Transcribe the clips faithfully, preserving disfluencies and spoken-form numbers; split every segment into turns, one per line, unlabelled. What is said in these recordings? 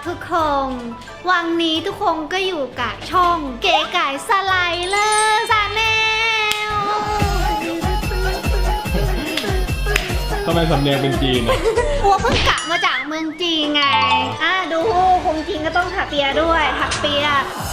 ทุกคนวันนี้ทุกคนก็อยู่กับช่องเก๋ไก่สไลเลอร์ชาแนล
ทำไมสำเนียงเป็นจีนอ่ะ
หัวเพิ่งกลับมาจากเมืองจีนไงอ่ะดูคงจีนก็ต้องถักเปียด้วยถักเปีย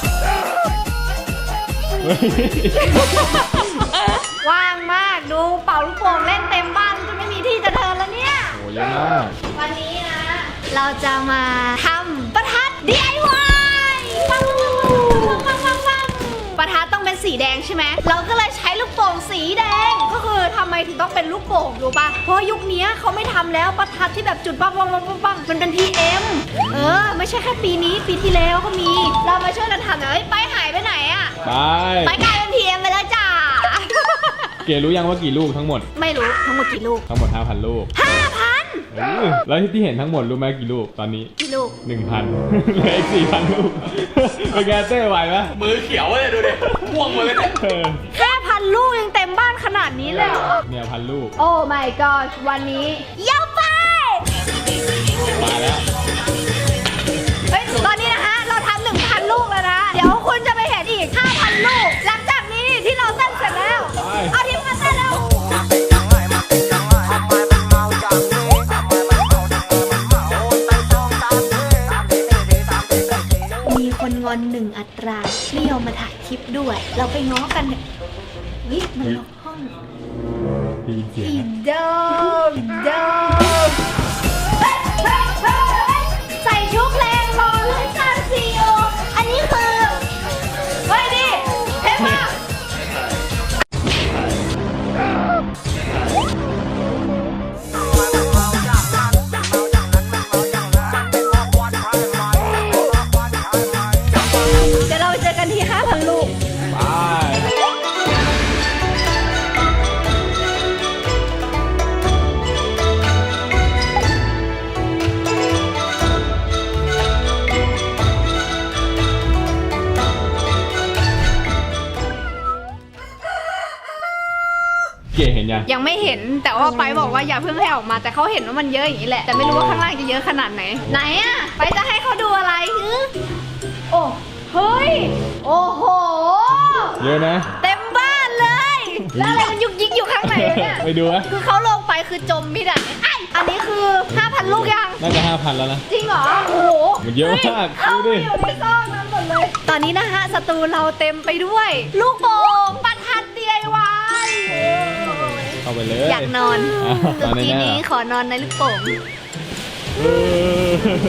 ว่างมากดูเป่าลูกโป่งเล่นเต็มบ้านจะไม่มีที่จะเดินแล้วเนี่ย
โอ้เยอะมาก
วันนี้นะ เราจะมาทำประทัด ดี ไอ วาย ปังปังปังปังปังประทัดต้องเป็นสีแดงใช่ไหมเราก็เลยใช้ลูกโป่งสีแดงก็คือทำไมถึงต้องเป็นลูกโป่งรู้ป่ะเพราะยุคนี้เขาไม่ทำแล้วประทัดที่แบบจุดปังปังปังปังปังมันเป็น พี เอ็ม เออไม่ใช่แค่ปีนี้ปีที่แล้วก็มีเรามาช่วยกันทำหน่อยเฮ้ยไปหายไปไหนอะ
ไป
ไปกลายเป็น พี เอ็ม ไปแล้วจ้า
เก๋รู้ยังว่ากี่ลูกทั้งหมด
ไม่รู้ทั้งหมดกี่ลูก
ทั้งหมด ห้าพัน ลูก
ห้าพัน
เออแล้วที่เห็นทั้งหมดรู้ไหมกี่ลูกตอนนี้
กี่ลูก
หนึ่งพัน เหลืออีก สี่พัน ลูก เป็นไงเต้ไหวไหม
มือเขียวเลยดูดิม่วงหมดเลยเนี่ย
เออ
แค่พันลูกยังเต็มบ้านขนาดนี้เลยเหรอ
เนี่ยพันลูก
โอ้ my god วันนี้ยาวไป
มาแล้ว
เฮ้ย ตอนนี้นะฮะ เราทำหนึ่งพันลูกแล้วนะ เดี๋ยวคุณจะไปเห็นอีกห้าพันลูก หลังจากนี้ที่เราเต้นเสร็จแล้ว
ไป
เอาทีมมาเต้นแล้ว มีคนงอนหนึ่งอัตราไม่ยอมมาถ่ายคลิปด้วย เราไปง้อกันเนี่ยเฮ้ยมันล็อกห้อง
ได้ยินเสียง
อี
นะ
เดิมเดิมใส่ชุดแรงรอเลยซานซีโออันนี้คือเฮ้ยดิเท่มากเดี๋ยวเราเจอกันที่ ห้าพัน ลูก
ไป เก๋เห็นยัง
ยังไม่เห็นแต่ว่าไปบอกว่าอย่าเพิ่งให้ออกมาแต่เขาเห็นว่ามันเยอะอย่างนี้แหละแต่ไม่รู้ว่าข้างล่างจะเยอะขนาดไหนไหนอะไปจะให้เขาดูอะไรฮึโอ้เฮ้ยโอ้โห
เยอะนะ
เต็มบ้านเลยแล้วอะไรมันยุกยิกอยู่ข้างในเนี่ย
ไปดูนะ
คือเขาลงไปคือจมมิดอ่ะไอยอันนี้คือ ห้าพัน ลูกยัง
น่าจะ ห้าพัน แล้วนะ
จริงเหรอโอ้โห
มันเยอะมาก
เข้า
ดู
ไป
ดิ
อยู่ในซอกนั้นหมดเลยตอนนี้นะฮะสตูเราเต็มไปด้วย ลูกโป่งประทัด ดี ไอ วาย
เข้าไปเลย
อยากนอน
อ่ะนอนใน
ที
แน่
นี้ขอนอนในลูกโป่ง
เออ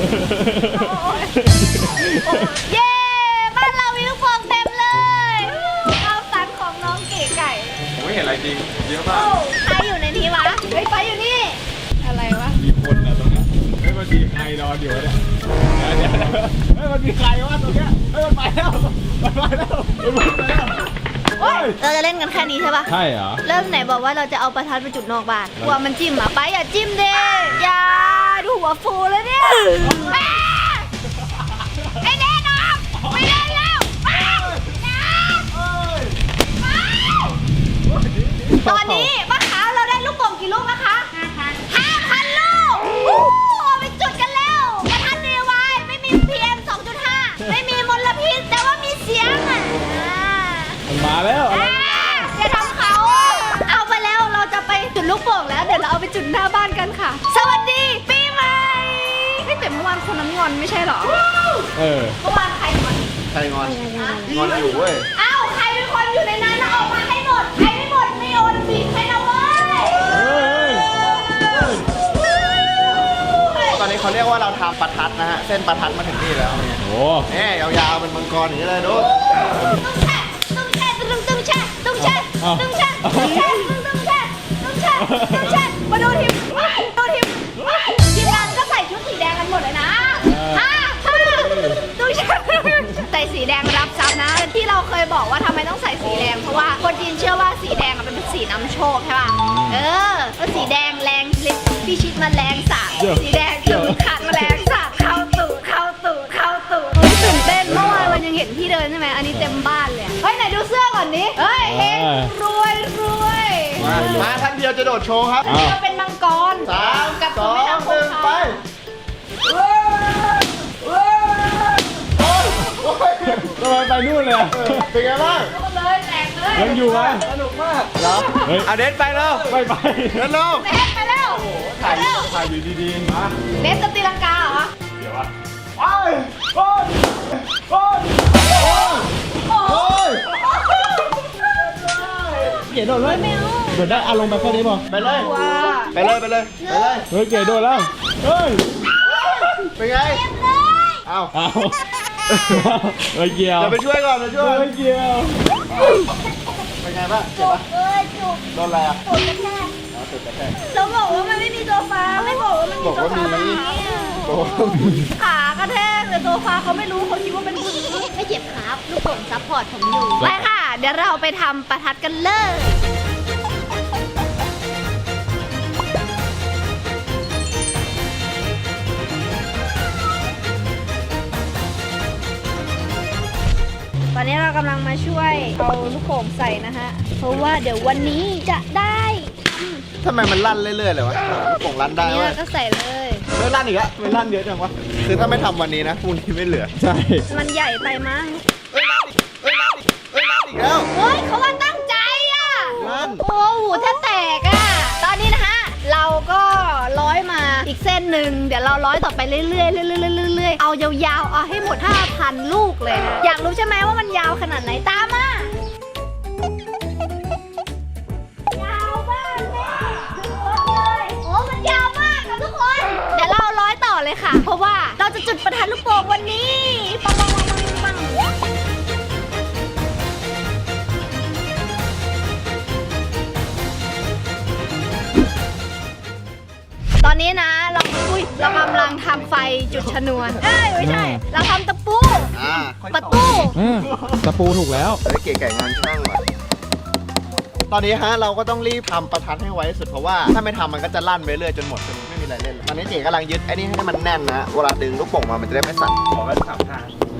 เย้บ้านเรามีลูกโป่งเต็มเลยเอาสันของน้องเก๋ไก่
ผมไม่เห็นอะไรจริงเยอะมาก
โอ้ใครอยู่ในนี้วะเฮ้ยไปอยู่นี่อะไรวะ
มีคนนะตรงเนี้ยเฮ้ยมันมีใครนอนอยู่วะเนี่ยเดี๋ยวเดี๋ยวเฮ้ยมันมีใครวะตรงเนี้ยเฮ้ยมันไปแล้วมันไปแล้วมันไปแล้วเฮ้ย
เราจะเล่นกันแค่นี้ใช่ปะ
ใช่เหรอ
เริ่มไหนบอกว่าเราจะเอาประทัดไปจุดนอกบ้านกลัวมันจิ้มอ่ะไปอย่าจิ้มเด้อย่าดูหัวฟูเลยเนี่ยแม่ไอ้เด่นออกไม่เล่นแล้วไปอย่าไปตอนนี้ป้าขาวเราได้ลูกโป่งกี่ลูกนะคะห้าพันลูกโอ้โหไปจุดกันแล้วประทัดดีไว้ไม่มี พี เอ็ม สองจุดห้า ไม่มีมลพิษแต่ว่ามีเสียงอ่ะ
มันมาแล้ว
อ่าอย่าทำเขาเอาไปแล้วเราจะไปจุดลูกโป่งแล้วเดี๋ยวเราเอาไปจุดหน้าบ้านกันค่ะ สวัสดีปีใหม่เฮ้ยแต่เมื่อวานคนนั้นงอนไม่ใช่เหรอ
เออ
เมื่อวานใครงอน
ใครงอน งอนอยู่เว้ย
เอ้าใครเป็นคนอยู่ในนั้นนะออกมาให้หมดใครไม่หมดไม่โอนบิดให้นะเว้ย
ตอนนี้เขาเรียกว่าเราทำประทัดนะฮะ เส้นประทัดมาถึงนี่แล้วเนี่ย
โอ้
เนี่ยยาวๆเป็นมังกรอย่างนี้เลยดู
ตุ้งแช่ตุ้งแช่ตุ้งแช่ตุ้งแช่ตุ้งแช่ตุ้งแช่ตุ้งแช่ตุ้งแช่ตุ้งแช่มาดูทีมดูทีมทีมงานก็ใส่ชุดสีแดงกันหมดเลยนะฮ่าฮ่าตุ้งแช่ใส่สีแดงรับทรัพย์นะที่เราเคยบอกว่าทำไมต้องใส่สีแดงเพราะว่าคนจีนเชื่อว่าสีแดงเป็นสีนำโชคใช่ป่ะเออแล้วสีแดงแรงลิพี่ชิดมาแรงสาสีแดงคือขัดมาแรงสาเข้าตู่เข้าตู่เข้าตู่ตื่นเต้นเมื่อวานมันยังเห็นพี่เดินใช่ไหมอันนี้เต็มบ้านเลยเฮ้ยไหนดูเสื้อก่อนดิเฮ้ยเฮงรวยรวย
มามาท่านเดียวจะโดดโชว์ครับ
เราเป็นมังกร
สาม
กับ
ส
คุ
อ
ณแม่
ง
น้ำค
หนึ่
ง
ง
คา
ไป
เฮ้ย
ไปนู่นเลยอะ
เป็นไงบ้าง
เลยแตกเลย
ยังอยู่ไหม
สนุกมากเหรอ
เฮ้ย
เอาเดนไปแล้ว
ไม่ไป
เดินลง
แตกไปแล้ว
ถ่ายถ่ายอยู่ดีๆมา
เนสจะตีลังกาเหรอ
เดี๋ยววะไปโอ้ยโอ้ย
โอ้โห
เก๋โดดเลยโดดได้อารมณ์แบบแค่นี้ป่ะ
ไปเลย
ว้า
ไปเลยไปเลยไปเลย
เฮ้ยเก๋โดดแล้วเฮ้ย
เป็นไงเอา
เอาไม่เกี่ยว
เดี๋ยวไปช่วยก่อนไปช่วย
ไม่เกี่ยว
เป็นไงบ้างเจ็บปะ
เอ้ยจุก
โดนอะไรอ่ะ
ปวดกระแทก
อ๋อติดกระแทก
เราบอกว่ามันไม่มีโซฟาไม่บอกว่ามันมีโซฟา
โอ้โห
ขากระแทกแต่โซฟาเขาไม่รู้เขาคิดว่าเป็นพื้นไม่เจ็บครับลูกผมซัพพอร์ตผมอยู่ไปค่ะ เดี๋ยวเราไปทำประทัดกันเลยตอนนี้เรากำลังมาช่วยเอาลูกโป่งใส่นะฮะเพราะว่าเดี๋ยววันนี้จะได้
ทำไมมันลั่นเรื่อยๆเลยวะลูกโป่งลั่นได้
อันนี้
เว้ย
เราก็ใส่เลย
เฮ้ยลั่นอีกแล้วไม่ลั่นเยอะจังวะคือถ้าไม่ทำวันนี้นะพรุ่งนี้ไม่เหลือ
ใช่
มันใหญ่ไปมั้ง
เฮ้ยลั่นอีกเฮ้ยลั่นอีกเฮ้ยลั่นอีกแล้ว
เฮ้ยเขาว่าตั้งใจอ่ะ
ลั่น
โอ้โหแทบแตกอ่ะ ตอนนี้นะฮะ เราก็ร้อยมาอีกเส้นหนึ่ง เดี๋ยวเราร้อยต่อไปเรื่อยๆเรื่อยๆเรื่อยๆเอายาวๆ เอาให้หมด ห้าพัน ลูกเลยนะ อยากรู้ใช่ไหมว่ามันยาวขนาดไหนตามมา ยาวมากแม่ดูเลยโอ้มันยาวมากค่ะทุกคน เดี๋ยวเราร้อยต่อเลยค่ะ เพราะว่าเราจะจุดประทัดลูกโป่งวันนี้ ปังปังปังปังปัง ตอนนี้นะเราอุ้ยเรากำลังทำไฟจุดชนวน เอ้ยไม่ใช่ เราทำตะปู
อ่า
ประตู
อ่าตะปูถูกแล้ว
เฮ้ยเก๋ไก่งานช่างว่ะตอนนี้ฮะเราก็ต้องรีบทำประทัดให้ไวที่สุดเพราะว่าถ้าไม่ทำมันก็จะลั่นไปเรื่อยจนหมดจนไม่มีอะไรเล่นตอนนี้เก๋กำลังยึดไอ้นี่ให้มันแน่นนะเวลาดึงลูกโป่งมามันจะได้ไม่สั่น
ขอกันสามทาง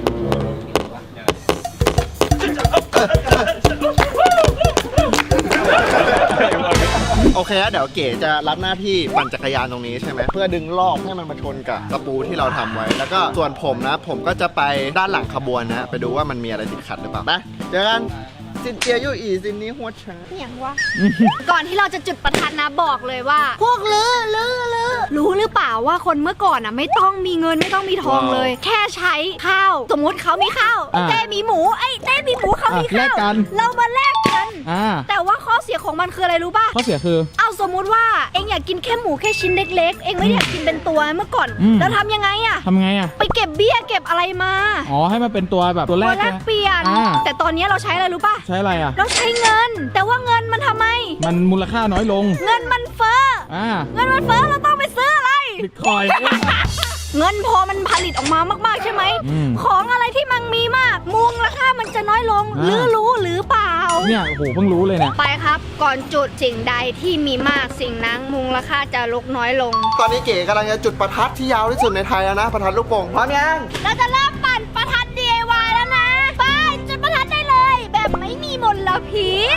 โอเคฮะเดี๋ยวเก๋จะรับหน้าที่ปั่นจักรยานตรงนี้ใช่ไหมเพื่อดึงลอกให้มันมาชนกับตะปูที่เราทำไว้ แล้วก็ส่วนผมนะ ผมก็จะไปด้านหลังขบวนนะ ไปดูว่ามันมีอะไรติดขัดหรือเปล่านะเจอกันสินเจียยู่อีสินนี้หัวช้าง
อย่างวะ ก่อนที่เราจะจุดประทัดนะบอกเลยว่า พวกลือลือลือรู้หรือเปล่าว่าคนเมื่อก่อนอ่ะไม่ต้องมีเงินไม่ต้องมีทองเลย แค่ใช้ข้าว สมมุติเขามีข้าว
อ่า
เต้มีหมูไอ้เต้มีหมูเขามี
อ่ะแล
ข้าก ว
กัน
เรามาแลกกัน
อ่า
แต่ว่าข้อเสียของมันคืออะไรรู้ป่ะ
ข้อเสียคือ
เอาสมมุติว่าเองอยากกินแค่หมูแค่ชิ้นเล็กๆ เองไม่ได้อยากกินเป็นตัวเมื่อก่อน
อืม
แล้วทำยังไงอะ
ทำไงอ่ะ
ไปเก็บเบี้ยเก็บอะไรมา
อ๋อให้มันเป็นตัวแบบตัวแร
ตัว
ก
แลก
นะ
เปลี่ยน
อ่า
แต่ตอนนี้เราใช้อะไรรู้ป่ะ
ใช้อะไรอ่ะ
เราใช้เงิน แต่ว่าเงินมันทำไม
มันมูลค่าน้อยลง
เงินมันเฟ้อ
อ่า
เงินมันเฟ้อเราต้องไปซื้ออะไร
บิตคอยน์
เงินพอมันผลิตออกมามากๆใช่ไหม
อืม
ของอะไรที่มันมีมากมูลค่ามันจะน้อยลง
อ่า
หรือรู้หรือเปล่า
เนี่ยโอ้โหเพิ่งรู้เลยเนี่ย
ไปครับ ก่อนจุดสิ่งใดที่มีมากสิ่งนั้นมูลค่าจะลดน้อยลง
ตอนนี้เก๋กำลังจะจุดประทัดที่ยาวที่สุดในไทยแล้วนะประทัดลูกโป่งพร้อมยัง
เราจะเริ่มปั่นประทัด ดี ไอ วาย แล้วนะ ไปจุดประทัดได้เลย แบบไม่มีมลพิษ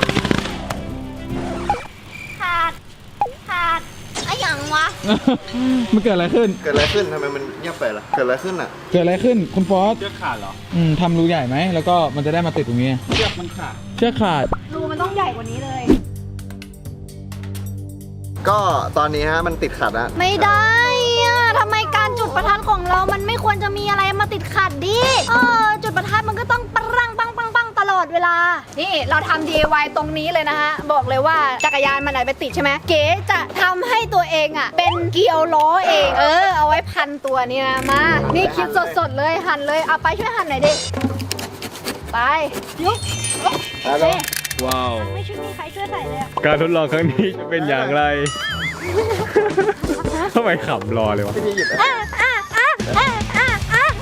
ขาด ขาดอะอย่างวะ
มันเกิดอะไรขึ้น
เกิดอะไรขึ้นทำไมมันเงียบไปล่ะเกิดอะไรขึ้นอ่ะ
เกิดอะไรขึ้นคุณฟอส
เชือกขาดเหรอ
อืมทำรูใหญ่ไหมแล้วก็มันจะได้มาติดตรงนี้
เชือกมันขาด
เชือกขาด
รูมันต้องใหญ่กว่านี้เลย
ก็ตอนนี้ฮะมันติดขัดอะ
ไม่ได้อะทำไมการจุดประทัดของเรามันไม่ควรจะมีอะไรมาติดขัดดิเออจุดประทัดมันก็ต้องปังปังปังปังตลอดเวลา นี่เราทำ ดี ไอ วาย ตรงนี้เลยนะฮะ บอกเลยว่าจักรยานมันไหนไปติดใช่ไหม เก๋จะทำให้ตัวเองอ่ะ เป็นเกลียวล้อเอง เออ เอาไว้พันตัวนี่นะ มา นี่คลิปสดๆเลยหั่นเลย เอาไปช่วยหั่นหน่อยดิ ไป ยุบ
แล้วก็
ว้าว
ไม่ช่วยมีใครช่วยใส่เลยอะ
การทดลองครั้งนี้จะเป็นอย่างไร ทำไมขำรอเลยวะ
พี่หยิบ
อ่ะอ่ะอ่ะอ่ะอ่ะอ่ะ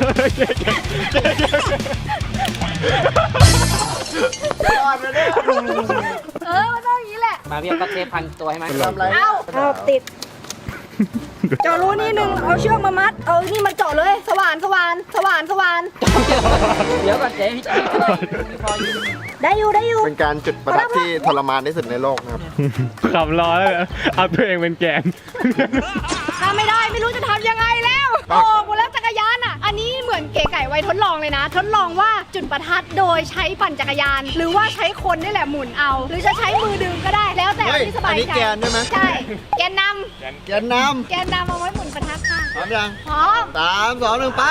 ยอดเลยเนี่ย
เออมันต้องอย่างนี้แหละ
มาเรียกก็เทพันตัวให้ไหม
ทำอะไร
เอาเอาติด เจาะรูนี่หนึ่งเอาเชือกมามัด เอานี่มาเจาะเลย สว่านสว่านสว่านสว่าน
เดี๋ยวก่อนเจ๊พี่ช่วยพี่พออยู่
ได้อยู่ได้อยู่
เป็นการจุดประทัดที่ทรมานที่สุดในโลกนะครับ
ขำรอแล้วนะเอาตัวเองเป็นแกน
ถ้าไม่ได้ไม่รู้จะทำยังไงแล้ว โอ้หมดแล้วจักรยานอ่ะ อันนี้เหมือนเก๋ไก่ไว้ทดลองเลยเลยนะ ทดลองว่าจุดประทัดโดยใช้ปั่นจักรยาน หรือว่าใช้คนนี่แหละหมุนเอา หรือจะใช้มือดึงก็ได้แล้วแต่
เฮ้ย
ที่สบาย
อันนี้
ใจ
แกนใช่ไหม
ใช่แกนน
แกนน
ำแกนนำเอาไว้หมุนประทัดค่ะ
ำพร้อมยัง
พร้อม
สามสองหนึ่งไป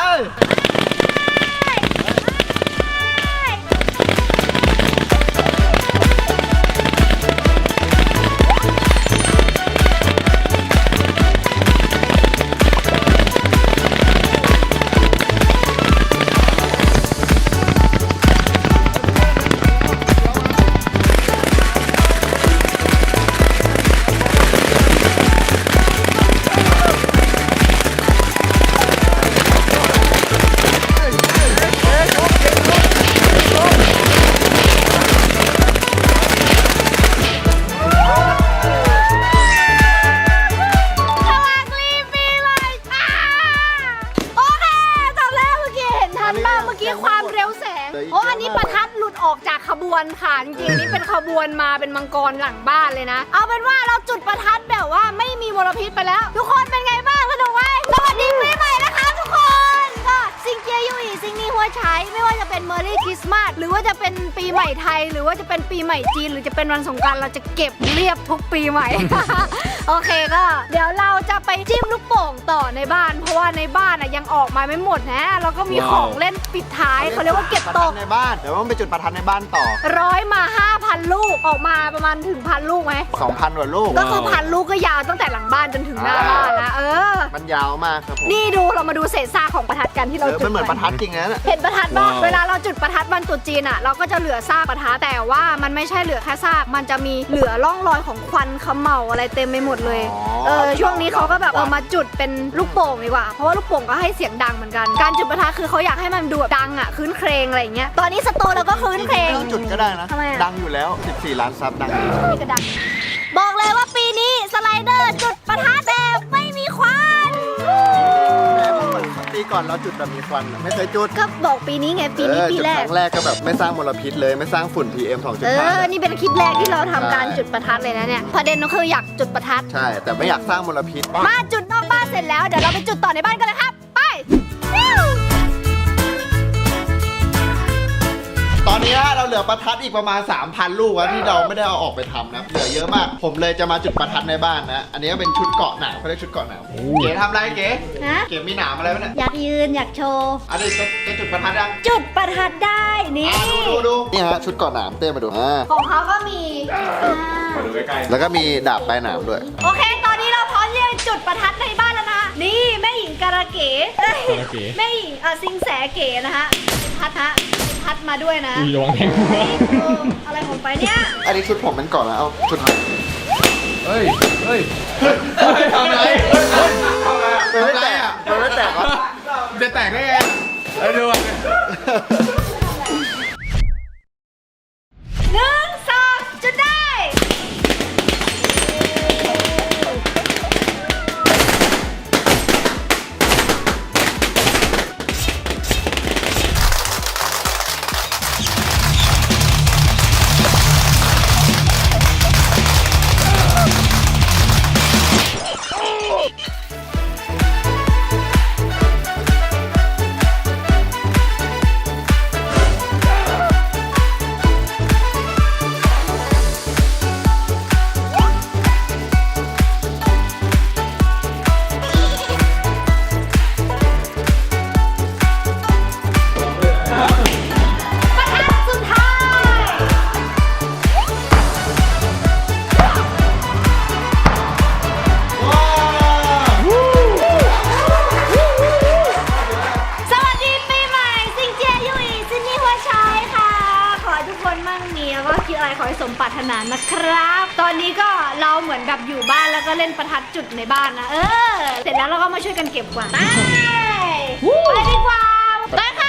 สวัสดีปีใหม่ค่ะโอเคจบแล้วเมื่อกี้เห็นทันป่ะเมื่อกี้ความเร็วแสงโอ้อันนี้ประทัดหลุดออกจากขบวนค่ะจริงๆอันนี้เป็นขบวนมาเป็นมังกรหลังบ้านเลยนะ เอาเป็นว่าเราจุดประทัดแบบว่าไม่มีมลพิษไปแล้ว ทุกคนเป็นไงบ้างสนุกไหมสวัสดีปีใหม่นะคะทุกคนก็ซิงเจียยูอีซิงนี่หัวใช้ไม่ว่าจะเป็นเมอร์รี่คริสต์มาสหรือว่าจะเป็นปีใหม่ไทย หรือว่าจะเป็นปีใหม่จีนหรือจะเป็นวันสงกรานต์เราจะเก็บเรียบทุกปีใหม่ โอเคก็เดี๋ยวเราจะไปจิ้มลูกโป่งต่อในบ้าน เพราะว่าในบ้านอ่ะยังออกมาไม่หมดนะแล้วก็มีของเล่นปิดท้ายเขาเรียกว่าเก็บตก
ในบ้าน เดี๋ยวต้องไปจุดประทัดในบ้านต่อ
ร้อยมา ห้าพัน ลูกออกมาประมาณถึงพันลูกไหม
สองพันกว่าลูก
ก็คือพันลูกก็ยาวตั้งแต่หลังบ้านจนถึงหน้าบ้านนะเออ
มันยาวมากครับผม
นี่ดูเรามาดูเศษซากของประทัดกันที่เรา
เออ
จุด
มันเหมือน
ไป
ประทัดจริงนะเนี่ย
เห็นประทัดบ้าง
ว้าว
เวลาเราจุดประทัดวันตรุษจีนอ่ะเราก็จะเหลือซากประทัดแต่ว่ามันไม่ใช่เหลือแค่ซากมันจะมีเหลือร่องรอยของควันเขมเหลาอะไรเต็มไปหมดเลย
อ๋อ
เออช่วงนี้เขาก็แบบเอามาจุดเป็นลูกโป่งดีกว่าเพราะว่าลูกโป่งก็ให้เสียงดังเหมือนกันการจุดประทัดคือเขาอยากให้มันดูแบบดังอ่ะคืนเครงอะไรอย่างเงี้ยตอนนี้สตูเราก็คืนเครง
ไม่ต้องจุดก็ได้นะ
ทำไมอะ
ดังอยู่แล้ว สิบสี่ ล้านซับดังดี
นี่ก็ดังบอกเลยว่าปีนี้สไลเดอร์จุดประทัดแบบไม่มีควัน
แต่เมื่อก่อนปีก่อนเราจุดแบบมีควันอะไม่เคยจุด
ก็บอกปีนี้ไงปีนี้
เออ
ปี
จุด
แร
ค
ก
รั้งแรกก็แบบไม่สร้างมลพิษเลยไม่สร้างฝุ่น พี เอ็ม สองจุด
เอ
ห้า
อ นี่เป็นคลิปแรกที่เราทำการ
ใช่
จุดประทัดเลยนะเนี่ย ประเด็นก็คืออยากจุดประทัด
ใช่ แต่ไม่อยากสร้างมลพิษ
มาจุดนอกบ้านเสร็จแล้ว เดี๋ยวเราไปจุดต่อในบ้านกันเลยครับ ไปฟิว
ตอนนี้เราเหลือประทัดอีกประมาณ สามพัน ลูกแล้วที่เราไม่ได้เอาออกไปทำนะ เหลือเยอะมาก ผมเลยจะมาจุดประทัดในบ้านนะ อันนี้ก็เป็นชุดเกาะหนาวเขาเรียกชุดเกาะหนาวเก๋ทำอะไรเก๋
ฮะ
เก๋มีหนามอะไรไหมเนี่ย
อยากยืนอยากโชว์
อันนี้จะจะจุดประทัดยัง
จุดประทัดได้นี่
อ่ะดูดูดูนี่ฮะชุดเกาะหนามเต้มาดูอ่า
ของเขาก็มีอ่า
มาดูใกล้ๆ
แล้วก็มีดาบปลายหนามด้วย
โอเค ตอนนี้เราพร้อมที่จะจุดประทัดในบ้านแล้วนะ นี่แม่หญิงการะเก๋เอ้ย
การะเก๋
แม่หญิงเอ่อซิงแสเก๋นะฮะพัดฮะพัดมาด้วยนะ
อุ้ยระวังแทงหัว
เอออะไรของไปเนี่ย
อันนี้ชุดผมเป็นเกาะแล้วเอาชุด
เฮ้ย เฮ้ย
ทำอะไรมันไม่แตกอ่ะมันไม่แตกวะ
จะแตกได้ไงเอ้ยดูอ่ะ
หนึ่งสองจุดได้ ประทัดสุดท้าย สวัสดีปีใหม่ซิงเจียยุยซินนี่หัวชายค่ะ ขอให้ทุกคนมั่งมีแล้วก็คิดอะไรขอให้สมปรารถนานะครับ ตอนนี้ก็เราเหมือนแบบอยู่บ้านแล้วก็เล่นประทัดจุดในบ้านนะ เออ เสร็จแล้วเราก็มาช่วยกันเก็บกวาดไปไปดีกว่าไปค่ะ